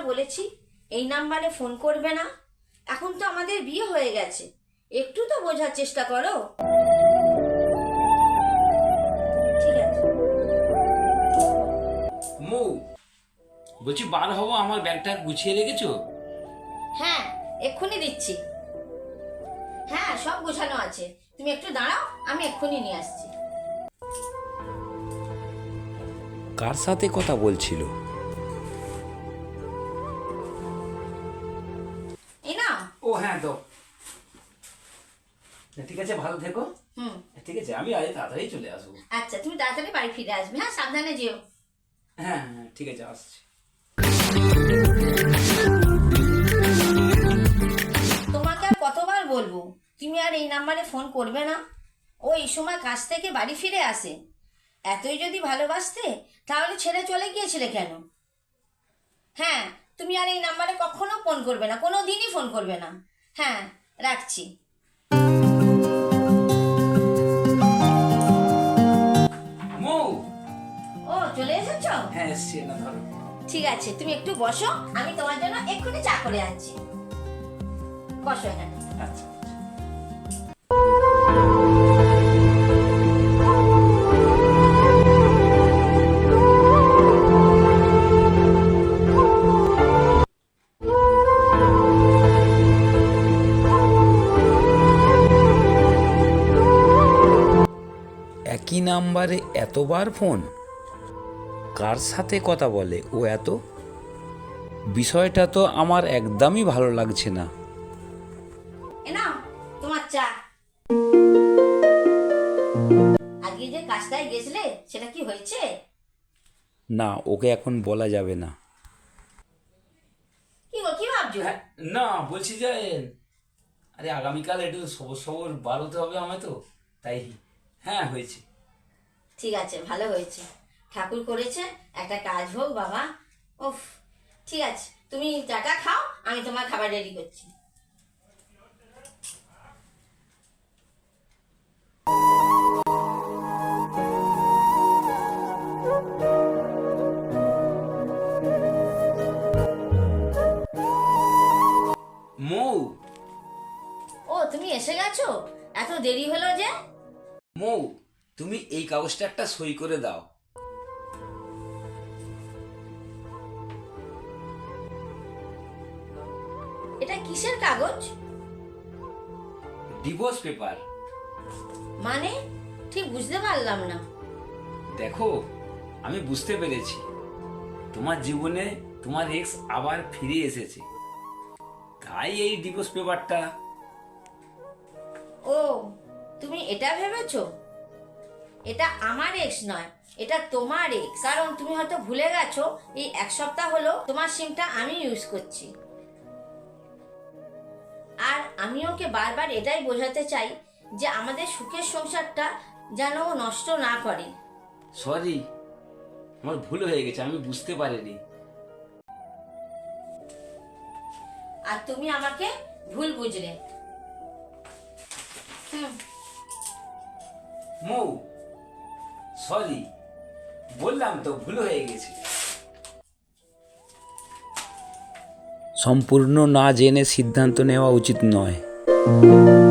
বলেছি এই নাম্বারে ফোন করবে না? এখন তো আমাদের বিয়ে হয়ে গেছে, একটু তো বোঝার চেষ্টা করো। ঠিক আছে। মৌ, বলছি বার হবো, আমার ব্যাগটা গুছিয়ে রেখেছো? হ্যাঁ, এক্ষুনি দিচ্ছি। হ্যাঁ, সব গোছানো আছে, তুমি একটু দাঁড়াও, আমি এক্ষুনি নিয়ে আসছি। কার সাথে কথা বলছিল? এই না। ও হ্যাঁ, তো ঠিক আছে, ভালো থেকো। ঠিক আছে, আমি আজ তাড়াতাড়ি চলে আসবো। আচ্ছা, তুমি তাড়াতাড়ি বাড়ি ফিরে আসবে। হ্যাঁ, সাবধানে যেও। হ্যাঁ হ্যাঁ, ঠিক আছে, আসছি। তোমাকে আর কতবার বলবো তুমি আর এই নাম্বারে ফোন করবে না? ও এই সময় কাজ থেকে বাড়ি ফিরে আসে। এতই যদি ভালোবাসতে তাহলে ছেড়ে চলে গিয়েছিলে কেন? হ্যাঁ, তুমি আর এই নাম্বারে কখনো ফোন করবে না, কোনো দিনই ফোন করবে না। হ্যাঁ, রাখছি। মৌ, ও, চলে এসেছো? হ্যাঁ এসছি, না ধরো। ঠিক আছে, তুমি একটু বসো, আমি তোমার জন্য এক্ষুনি চা করে আনছি। বসো এখানে। আচ্ছা। একই নাম্বারে এতবার ফোন? কার সাথে কথা বলে ও এত? বিষয়টা তো আমার একদমই ভালো লাগছে না। এ নাও তোমার চা। আজকে যে কাজটায় গেছিলে সেটা কি হয়েছে? না, ওকে এখন বলা যাবে না। কি গো, কি ভাবছো? না, বলছি যে আরে আগামীকাল একটু সবর সবর বার হতে হবে আমায়, তো তাই। হ্যাঁ, হয়েছে। ঠিক আছে, ভালো হয়েছে, ঠাকুর করেছে, একটা কাজ হোক বাবা। উফ, ঠিক আছে, তুমি চাটা খাও, আমি তোমার খাবার রেডি করছি। মৌ, ও, তুমি এসে গেছো? এত দেরি হলো যে? মৌ, তুমি এই কাগজটা একটা সই করে দাও। এটা কিসের কাগজ? Divorce paper. মানে ঠিক বুঝতে পারলাম না। দেখো, আমি বুঝতে পেরেছি তোমার জীবনে তোমার এক্স আবার ফিরে এসেছে, তাই এই ডিভোর্স পেপারটা। ও, তুমি এটা ভেবেছো? এটা আমার এক্স নয়, এটা তোমার এক্স। কারণ তুমি হয়তো ভুলে গেছো, এই এক সপ্তাহ হলো তোমার সিমটা আমি ইউজ করছি। আর আমি ওকে বারবার এটাই বোঝাতে চাই যে আমাদের সুখের সংসারটা যেন ও নষ্ট না করে। সরি, আমার ভুল হয়ে গেছে, আমি বুঝতে পারিনি। আর তুমি আমাকে ভুল বুঝলে। মৌ, সরি, বললাম তো ভুল হয়ে গেছে। সম্পূর্ণ না জেনে সিদ্ধান্ত নেওয়া উচিত নয়।